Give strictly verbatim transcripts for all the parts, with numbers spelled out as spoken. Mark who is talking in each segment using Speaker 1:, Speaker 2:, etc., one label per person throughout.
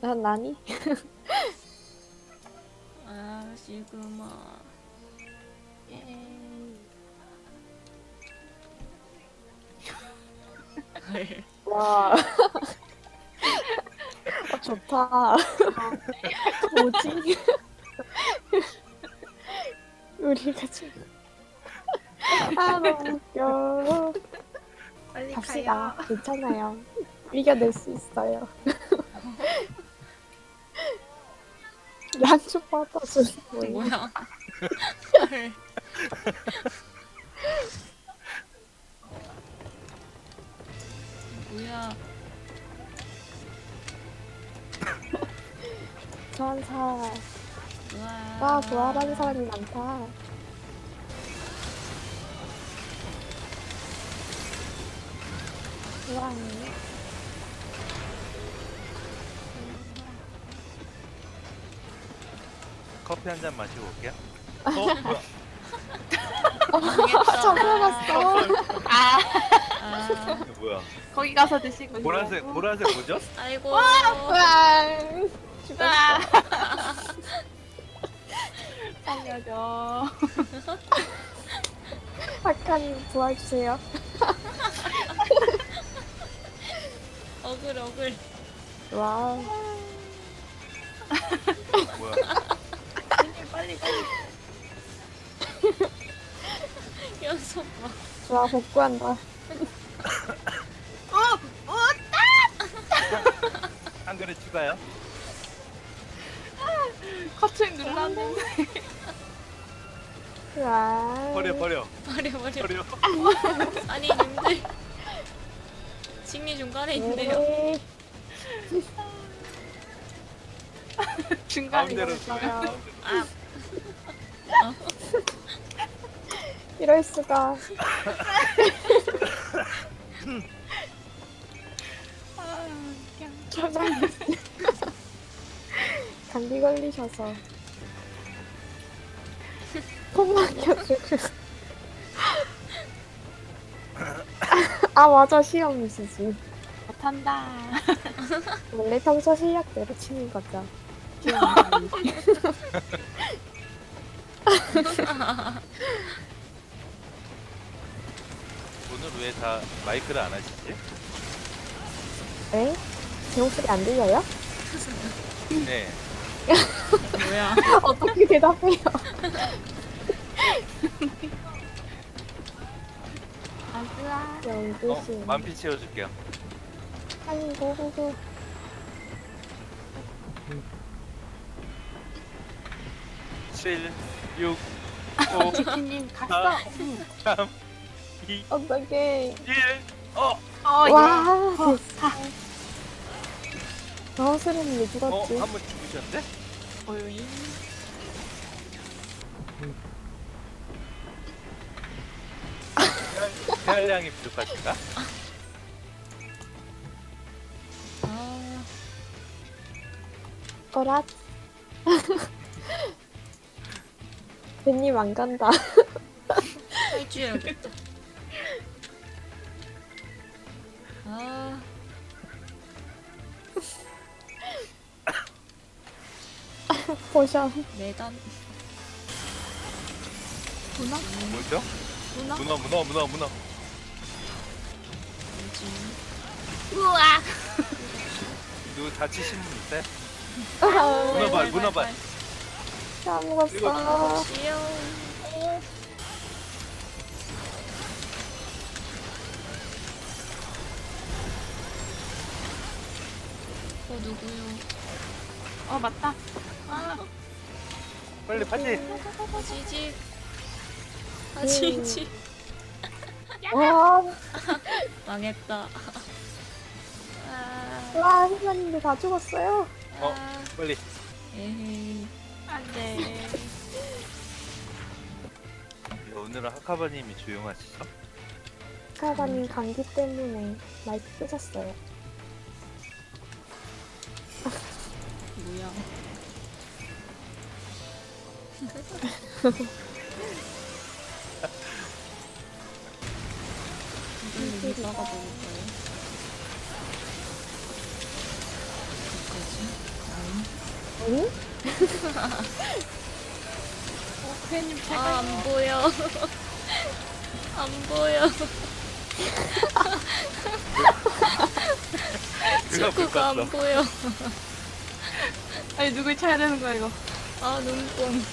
Speaker 1: 난 나니?
Speaker 2: 아 시그마.
Speaker 1: 예.
Speaker 2: 헐.
Speaker 1: 와. 어, 좋다. 뭐지? 우리가 지금. 아, 너무 웃겨.
Speaker 3: 빨리
Speaker 1: 갑시다.
Speaker 3: 가요.
Speaker 1: 괜찮아요. 이겨낼 수 있어요. 양쪽 받아주는 거예요.
Speaker 2: 뭐야? 헐. 뭐야?
Speaker 1: 전사.
Speaker 2: 우와.
Speaker 1: 와, 부활하는 사람이 많다. 우와.
Speaker 4: 커피 한 잔 마시고 올게요. 어? 뭐야?
Speaker 2: 망했다.
Speaker 1: 잡혀갔어.
Speaker 3: 아,
Speaker 2: 아,
Speaker 4: 이거 뭐야?
Speaker 3: 거기 가서 드시고.
Speaker 4: 보라색, 보라색 뭐죠?
Speaker 2: 아이고.
Speaker 1: 우와. 죽었어.
Speaker 3: 살려줘.
Speaker 1: 아까님 도와주세요.
Speaker 2: 어글 어글.
Speaker 1: 와.
Speaker 4: 뭐야?
Speaker 3: 빨리 빨리.
Speaker 2: 연속 봐.
Speaker 1: 좋아, 복구한다.
Speaker 3: 어, 어,
Speaker 4: 한 그릇 추가요?
Speaker 3: 커튼 눌렀는데.
Speaker 1: 와.
Speaker 4: 버려, 버려,
Speaker 2: 버려 버려.
Speaker 4: 버려.
Speaker 2: 아니 님들. 칭리 중간에 있네요.
Speaker 1: 네.
Speaker 3: 중간에
Speaker 4: 가운데로
Speaker 3: 있어요.
Speaker 4: 주세요.
Speaker 2: 아,
Speaker 1: 이럴 수가.
Speaker 3: 아, 그냥.
Speaker 1: 초장이 감기 걸리셔서 콧 막혀주고. 아, 맞아, 시험이시지.
Speaker 3: 못한다.
Speaker 1: 원래 평소 실력대로 치는 거죠.
Speaker 4: 오늘 왜 다 마이크를 안 하시지?
Speaker 1: 에? 제 목소리 안 들려요?
Speaker 4: 네.
Speaker 2: 뭐야?
Speaker 1: 어떻게 대답해요?
Speaker 3: 아스아.
Speaker 4: 어,
Speaker 1: 영두씨.
Speaker 4: 만피 채워줄게요.
Speaker 1: 아니, 고고고.
Speaker 4: 칠, 육, 오,
Speaker 3: 지키님 갔어.
Speaker 4: 삼, 이,
Speaker 1: 어떡해.
Speaker 4: 일. 어,
Speaker 3: 어, 예.
Speaker 1: 와, 됐어. 저스름이 왜
Speaker 4: 어,
Speaker 1: 죽었지?
Speaker 4: 한 번 죽으셨는데?
Speaker 3: 오이.
Speaker 4: 폐활량이 부족하신가?
Speaker 2: 아,
Speaker 1: 거라. 벤님 안 간다.
Speaker 2: 탈주해야겠다. 아,
Speaker 1: 포션.
Speaker 2: 매단.
Speaker 3: 문어?
Speaker 4: 뭐죠?
Speaker 3: 문어?
Speaker 4: 문어, 문어, 문어, 문어.
Speaker 2: 뭐지?
Speaker 3: 우와.
Speaker 4: 누구 다치신 분 있어요?
Speaker 1: 아,
Speaker 4: 문어발, 문어발.
Speaker 1: 다 먹었어.
Speaker 2: 지요. 어 누구요?
Speaker 3: 어, 맞다. 아,
Speaker 4: 빨리 파지.
Speaker 2: 지지. 아 지지.
Speaker 1: 와,
Speaker 2: 망했다. 아,
Speaker 1: 와, 회사님들 다 죽었어요.
Speaker 4: 어,
Speaker 2: 아,
Speaker 4: 빨리.
Speaker 2: 에헤이.
Speaker 3: 안 돼.
Speaker 4: 오늘은 하카바님이 조용하시죠?
Speaker 1: 카바님 감기 때문에 마이크 끄셨어요.
Speaker 2: 뭐야? 이걸 여기다가 먹을까요? 어떡하지?
Speaker 1: 응?
Speaker 3: 어, 괜히
Speaker 2: 아,
Speaker 3: 제가
Speaker 2: 안 보여. 안 보여.
Speaker 4: 그거
Speaker 2: 축구가 안
Speaker 4: 불 껐어.
Speaker 2: 보여.
Speaker 3: 아니 누굴 쳐야 되는 거야 이거.
Speaker 2: 아, 눈뽕.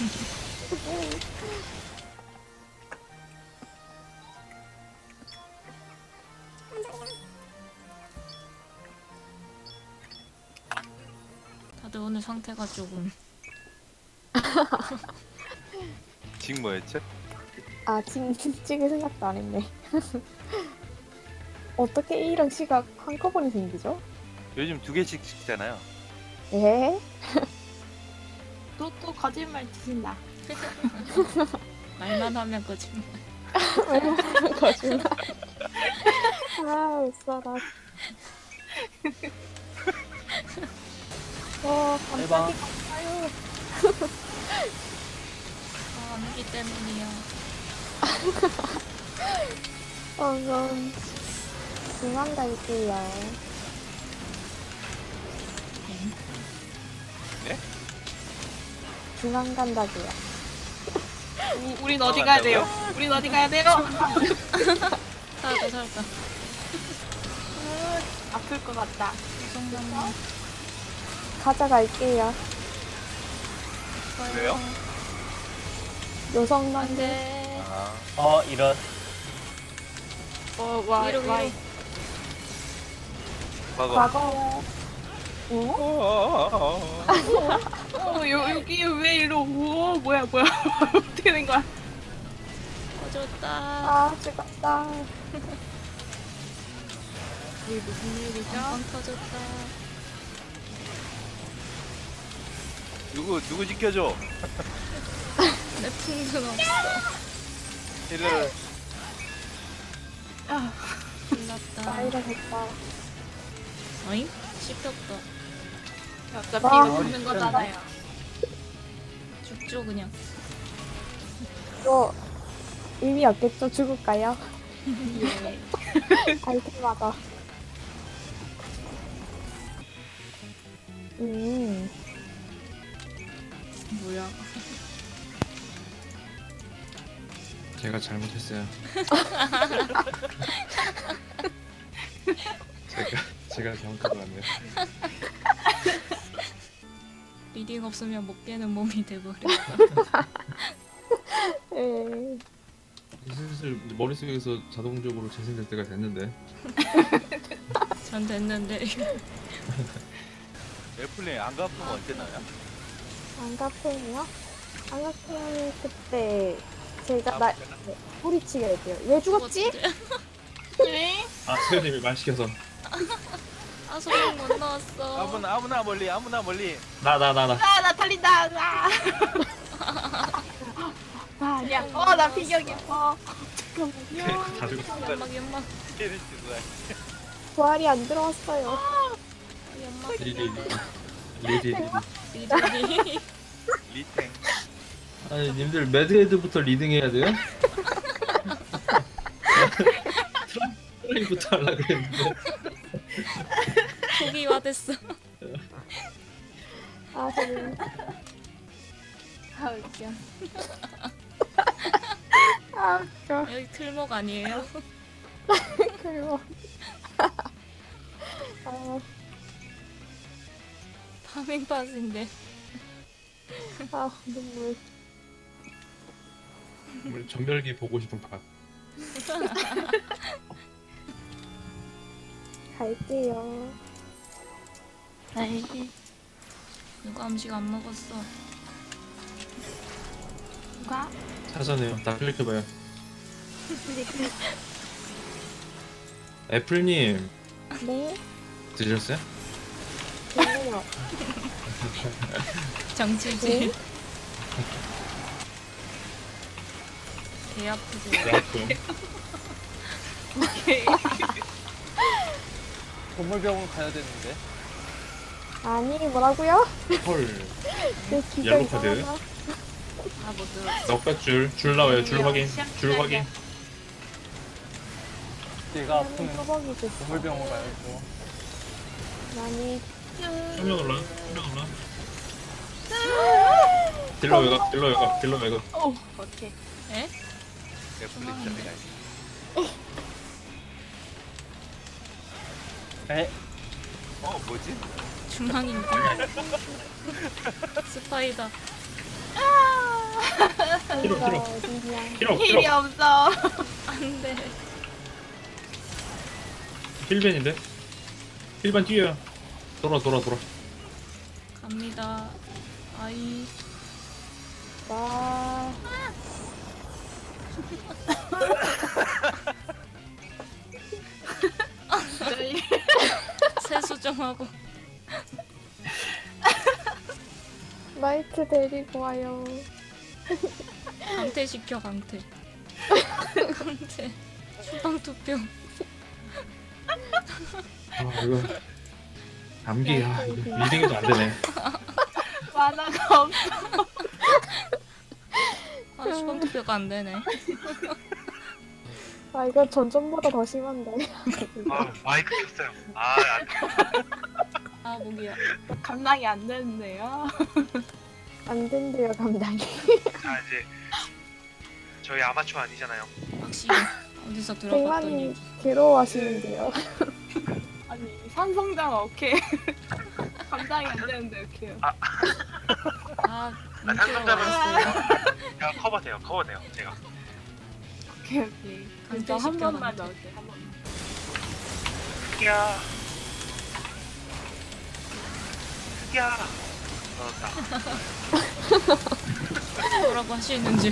Speaker 2: 다들 오늘 상태가 조금.
Speaker 4: 지금 뭐였죠?
Speaker 1: 아, 진, 찍을 생각도 안 했네. 어떻게 A랑 C가 한꺼번에 생기죠?
Speaker 4: 요즘 두 개씩 찍잖아요.
Speaker 1: 에?
Speaker 3: 또 또 거짓말 치신다.
Speaker 2: 말만 하면 거짓말.
Speaker 1: 왜 거짓말. 아, 웃어라. 와,
Speaker 5: 대박.
Speaker 1: 깜짝이 감사요.
Speaker 2: 아, 안기 때문이야.
Speaker 1: 어, 그럼 중앙 갈게요.
Speaker 4: 네?
Speaker 1: 중앙 간다고요.
Speaker 3: 우, 우린 어디 가야 돼요? 우린 어디 가야 돼요?
Speaker 2: 살았다, 살았다.
Speaker 3: 아플 것 같다.
Speaker 2: 성남.
Speaker 1: 가져갈게요.
Speaker 4: 왜요?
Speaker 1: 요성
Speaker 2: 안
Speaker 1: 남자.
Speaker 2: 돼.
Speaker 4: 아,
Speaker 5: 어 이런.
Speaker 3: 어, 와,
Speaker 2: 위로,
Speaker 3: 와.
Speaker 2: 위로.
Speaker 4: 과거.
Speaker 1: 과거. 응?
Speaker 4: 어?
Speaker 3: 어, 여, 여기 왜 이러? 우와, 뭐야, 뭐야. 어떻게 된 거야?
Speaker 2: 꺼졌다.
Speaker 1: 아, 죽었다.
Speaker 3: 이게 무슨 일이죠?
Speaker 2: 빵 터졌다.
Speaker 4: 누구 누구 지켜줘?
Speaker 2: 내 풍선 없어.
Speaker 4: 이를
Speaker 3: 아,
Speaker 2: 끝났다.
Speaker 1: 나이를 했다.
Speaker 2: 어잉? 씹혔다.
Speaker 3: 어차피
Speaker 1: 와.
Speaker 3: 이거 죽는 거잖아요.
Speaker 2: 죽죠, 그냥.
Speaker 1: 이거 의미 없겠죠? 죽을까요?
Speaker 3: 예.
Speaker 1: 아이템마다. 음,
Speaker 2: 뭐야.
Speaker 6: 제가 잘못했어요. 제가 제가 잘못한 것 같네요.
Speaker 2: 리딩 없으면 못 깨는 몸이 돼버려.
Speaker 1: 에
Speaker 6: 슬슬 머릿속에서 자동적으로 재생될 때가 됐는데.
Speaker 2: 전 됐는데.
Speaker 4: 애플링 안 갚으면 언제 나요?
Speaker 1: 안가편이요? 안가편 그때 제가
Speaker 4: 아,
Speaker 1: 나 소리치게 할게요. 왜 죽었지?
Speaker 3: 네?
Speaker 6: 아 세연님이 말 시켜서.
Speaker 2: 아, 소리 못 나왔어.
Speaker 4: 아무나 아무나 멀리 아무나 멀리.
Speaker 6: 나 나 나 나.
Speaker 3: 아, 나 털린다. 아. 아, 아니야. 어, 나 피격이. 어. 잠깐만요.
Speaker 6: 다 죽었어.
Speaker 2: 연막, 연막.
Speaker 4: 걔를 주고 가.
Speaker 1: 부활이 안 들어왔어요.
Speaker 2: 연막.
Speaker 6: 리리 리리 리리.
Speaker 2: 리딩이.
Speaker 4: 리탱.
Speaker 6: 아니 님들 매드헤드부터 리딩해야 돼요? 트라이부터 하려 그랬는데.
Speaker 2: 초기화됐어.
Speaker 1: 아, 저는
Speaker 3: 아, 웃겨.
Speaker 1: 아, 웃겨.
Speaker 2: 여기 틀목 아니에요?
Speaker 1: 그리고 아,
Speaker 2: 파밍팟인데.
Speaker 1: 아, 눈물.
Speaker 6: 우리 전멸기 보고 싶은 밥.
Speaker 1: 갈게요.
Speaker 3: 네.
Speaker 2: 누가 음식 안 먹었어?
Speaker 3: 누가?
Speaker 6: 사전에요. 다 클릭해봐요. 애플님
Speaker 1: 네,
Speaker 6: 드셨어요?
Speaker 1: 괜찮아요.
Speaker 2: 정치질.
Speaker 1: 네?
Speaker 2: 개 아프지.
Speaker 6: 네, 아프.
Speaker 3: 오케이.
Speaker 5: 동물병원 가야 되는데.
Speaker 1: 아니, 뭐라고요?
Speaker 6: 헐.
Speaker 1: 내 기가
Speaker 6: 옐로 카드.
Speaker 1: 이상하다.
Speaker 2: 아못 들었어.
Speaker 6: 넉백줄 줄 나와요. 줄 확인. 줄 확인.
Speaker 5: 얘가
Speaker 1: 나는
Speaker 5: 아프면
Speaker 1: 뚜벅이 됐어.
Speaker 5: 동물병원 가야죠.
Speaker 1: 많이
Speaker 6: 한명 올라. 한명 올라. 딜러 외곽 딜러 외곽 딜러 외곽.
Speaker 3: 오 오케이.
Speaker 2: 에?
Speaker 4: 애플리 진짜 내가
Speaker 5: 에?
Speaker 4: 어 뭐지?
Speaker 2: 중앙인데. 스파이다.
Speaker 6: 필요
Speaker 1: 이거
Speaker 6: 필요
Speaker 1: 어디냐.
Speaker 6: 필요
Speaker 3: 힐이
Speaker 6: 필요.
Speaker 3: 없어.
Speaker 2: 안돼.
Speaker 6: 힐벤인데. 힐벤 뛰어요. 돌아 돌아 돌아.
Speaker 2: 갑니다. 아이.
Speaker 1: 와.
Speaker 2: 세수정하고.
Speaker 1: 나이트 데리고 와요.
Speaker 2: 강퇴 시켜 강퇴. 강퇴. 수방 투표.
Speaker 6: 아 이거 감기야. 이거 리딩도 안 되네.
Speaker 3: 만화가 없어.
Speaker 2: 아 수방 투표가 안 되네.
Speaker 1: 아 이거 전전보다 더 심한데.
Speaker 7: 아 마이크 켰어요. 아 안-
Speaker 2: 아 목이야.
Speaker 3: 감당이 안 되는데요.
Speaker 1: 안 된대요 감당이.
Speaker 7: 자 이제 저희 아마추어 아니잖아요.
Speaker 2: 확실히 어디서 들어봤던
Speaker 1: 백만님
Speaker 2: 얘기.
Speaker 1: 괴로워하시는데요.
Speaker 3: 아니 산성장 오케이. 감당이 안 되는데 오케이.
Speaker 2: 아
Speaker 7: 아,
Speaker 2: 문제가
Speaker 7: 상담자는-
Speaker 2: 왔어요.
Speaker 7: 제가 커버돼요. 커버돼요. 제가.
Speaker 3: 오케이 오케이. 진짜 한
Speaker 2: 강퇴시켜,
Speaker 3: 번만
Speaker 2: 강퇴.
Speaker 3: 넣을게 한 번.
Speaker 7: 야. 야. 넣었다.
Speaker 2: 뭐라고 하시는지.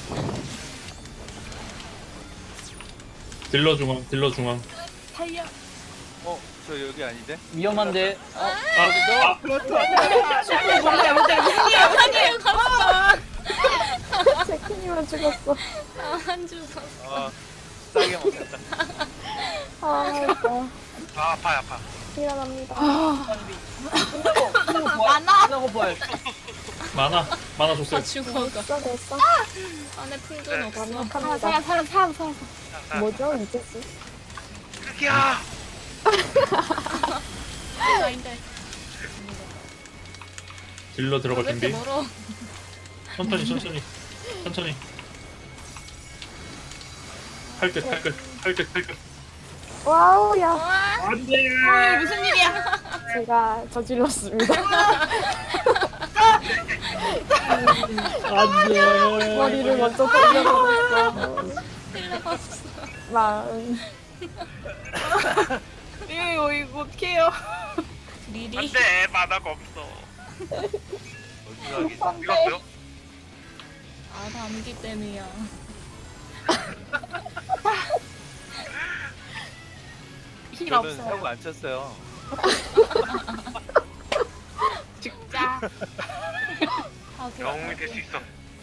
Speaker 6: 딜러 중앙 딜러 중앙.
Speaker 3: 타이어.
Speaker 4: 어저 여기 아닌데?
Speaker 5: 위험한데.
Speaker 6: 아
Speaker 3: 뭔데 뭔데
Speaker 2: 아니에요 갔어.
Speaker 1: 제키님은 죽었어.
Speaker 2: 안 죽었어.
Speaker 4: 아 싸게 먹겠다.
Speaker 1: 아 이거
Speaker 7: 아 아파요 아파.
Speaker 1: 일어납니다.
Speaker 3: 많아.
Speaker 5: 하나 호발.
Speaker 6: 많아 많아 줬어요.
Speaker 2: 아 죽어가.
Speaker 1: 됐어 됐어.
Speaker 2: 안에 풍선 없어.
Speaker 3: 사람
Speaker 1: 완벽합니다.
Speaker 3: 사람 사람 사람 사람.
Speaker 1: 뭐죠 이제스?
Speaker 7: 야.
Speaker 2: 아닌데.
Speaker 6: 딜러 들어갈
Speaker 2: 왜 이렇게
Speaker 6: 준비.
Speaker 2: 멀어?
Speaker 6: 천천히 천천히 천천히. 팔끝 팔끝 팔끝 팔끝.
Speaker 1: 와우 야
Speaker 6: 안돼.
Speaker 3: 어이 무슨 일이야?
Speaker 1: 제가 저질렀습니다.
Speaker 6: 안돼.
Speaker 1: 머리를 먼저 돌려버렸어.
Speaker 2: 힐러가 없어.
Speaker 1: 마음.
Speaker 3: 이거 이거 어떡해요?
Speaker 2: 리리.
Speaker 7: 안돼 만화가 없어.
Speaker 4: 어디 가기.
Speaker 7: 이거요?
Speaker 2: 아 감기 때문이야.
Speaker 3: 힐
Speaker 4: 저는 사고
Speaker 3: 없어요.
Speaker 4: 안 쳤어요.
Speaker 3: 죽자.
Speaker 2: 아 그래.
Speaker 7: 영웅이 될 수 있어.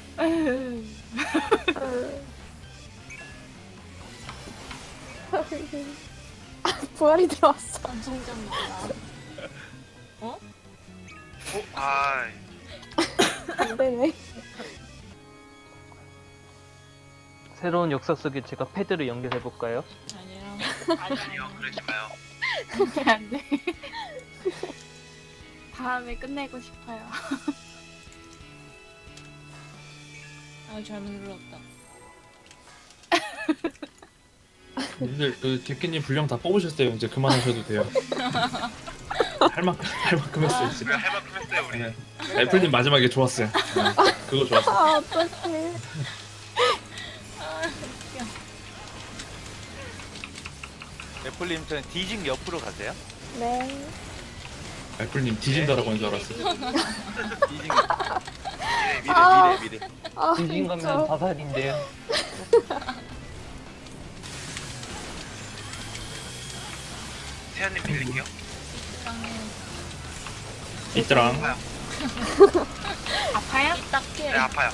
Speaker 1: 부활이 들어왔어.
Speaker 2: 방송점이다. 어?
Speaker 7: 어? 아
Speaker 1: 안 되네.
Speaker 5: 새로운 역사 속에 제가 패드를 연결해 볼까요?
Speaker 2: 아니야.
Speaker 7: 아니요 그러지 마요.
Speaker 3: 안 돼. 다음에 끝내고 싶어요.
Speaker 2: 아 잘못 눌렀다.
Speaker 6: 님들 그 제키님 분량 다 뽑으셨어요. 이제 그만하셔도 돼요. 할 만큼 할 만큼 했어요 지금.
Speaker 7: 그래 할 만큼 했어요 우리.
Speaker 6: 네. 애플님 마지막에 좋았어요. 네. 그거 좋았어.
Speaker 1: 아 어떡해.
Speaker 2: 아 웃겨.
Speaker 4: 애플님 저는 디징 옆으로 가세요.
Speaker 1: 네.
Speaker 6: 애플님 뒤진다라고 한 줄 알았어.
Speaker 4: 디징 옆. 미래
Speaker 1: 아.
Speaker 4: 미래 미래 미래.
Speaker 1: 아
Speaker 5: 진진 가면
Speaker 1: 진짜.
Speaker 5: 자살인데요.
Speaker 7: 세연님 빌릴게요.
Speaker 2: 이랑해.
Speaker 6: 있더랑.
Speaker 3: 아파요?
Speaker 2: 딱해.
Speaker 7: 네 아파요.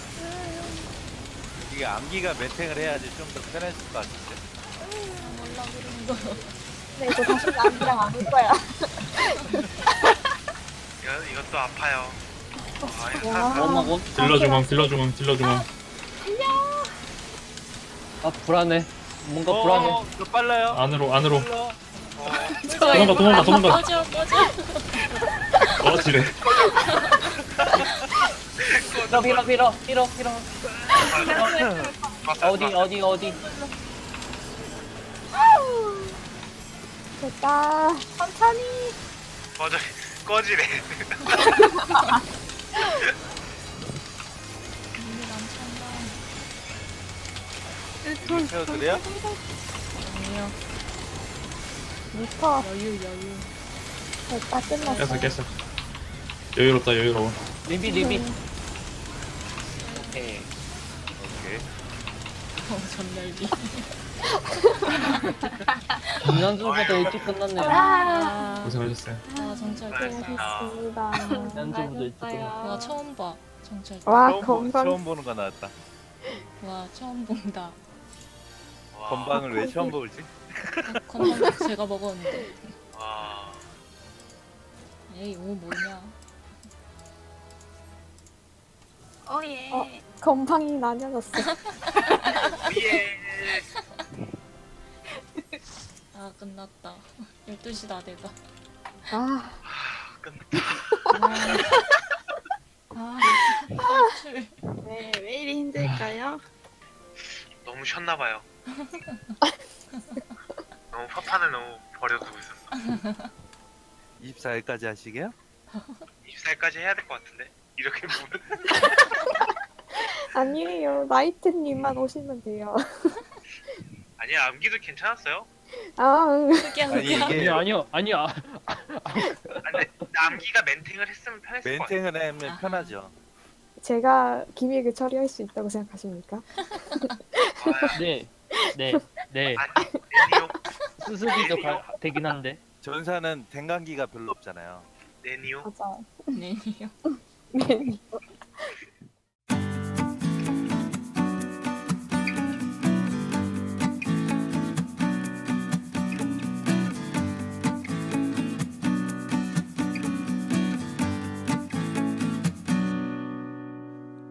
Speaker 4: 이게 암기가 멘탱을 해야지 좀 더 편했을 것 같은데.
Speaker 2: 몰라 그런 거.
Speaker 1: 네 이거 다시 남이랑 안 올 거야.
Speaker 7: 이거 이것도 아파요. 아 이거
Speaker 1: 와.
Speaker 7: 사-
Speaker 5: 엄마고.
Speaker 6: 딜러 중앙 딜러 중앙 딜러 중앙.
Speaker 5: 아 불안해. 뭔가 불안해.
Speaker 4: 어, 더 빨라요.
Speaker 6: 안으로 안으로.
Speaker 4: 빨라.
Speaker 6: 도망가 도망가 도망가.
Speaker 2: 꺼져 꺼져.
Speaker 6: 어 지래.
Speaker 5: 밀어 밀어 밀어 밀어 밀어. 어디 어디 어디.
Speaker 1: 됐다. 천천히.
Speaker 7: 꺼져 꺼지래.
Speaker 2: 눈이 남찬다.
Speaker 4: 태워드려요?
Speaker 2: 아니요.
Speaker 1: 미터.
Speaker 2: 여유 여유.
Speaker 1: 됐다. 끝났어.
Speaker 6: 깼어 깼어. 여유롭다 여유로워.
Speaker 5: 리비 리비. 오케이.
Speaker 4: 오케이.
Speaker 2: 어 전날비.
Speaker 5: 지난주보다 일찍 끝났네요.
Speaker 2: 아,
Speaker 6: 고생하셨어요.
Speaker 2: 아 정찰
Speaker 1: 고생하셨습니다.
Speaker 5: 지난주보다 일찍
Speaker 2: 와
Speaker 5: 끝났어.
Speaker 2: 처음 봐 정찰.
Speaker 1: 와,
Speaker 4: 처음, 보,
Speaker 1: 건강.
Speaker 4: 처음 보는 거 나왔다.
Speaker 2: 와 처음 본다.
Speaker 7: 와,
Speaker 4: 건방을 왜 처음 보지?
Speaker 2: 아, 건강 제가 먹었는데.
Speaker 7: 와.
Speaker 2: 에이 오 뭐냐.
Speaker 3: 어예.
Speaker 1: 어. 건방이 나뉘어졌어.
Speaker 7: 예.
Speaker 2: 아 끝났다. 열두 시다 내가.
Speaker 1: 아,
Speaker 2: 아 탈출.
Speaker 3: 왜, 왜 이리 힘들까요?
Speaker 7: 너무 쉬었나 봐요. 너무 파판을 너무 버려두고 있었어.
Speaker 4: 이십사 일까지 하시게요?
Speaker 7: 이십사 일까지 해야 될 것 같은데. 이렇게 보면
Speaker 1: 아니에요. 나이트님만 오시면 돼요.
Speaker 7: 아니야 암기도 괜찮았어요.
Speaker 1: 아, 응.
Speaker 2: 흑야
Speaker 4: 아니
Speaker 2: 흑야.
Speaker 4: 이게
Speaker 5: 아니요 아니요 아니야.
Speaker 7: 아, 근데 암기가 멘탱을 했으면 편했을 것 같아.
Speaker 4: 멘탱을 하면 편하죠.
Speaker 1: 제가 기믹을 처리할 수 있다고 생각하십니까?
Speaker 7: 아,
Speaker 5: 네. 네. 네.
Speaker 7: 아니 네니오
Speaker 5: 수수기도 가, 되긴 한데.
Speaker 4: 전사는 댕강기가 별로 없잖아요.
Speaker 7: 네니오.
Speaker 1: 맞아.
Speaker 2: 네요.
Speaker 1: 네.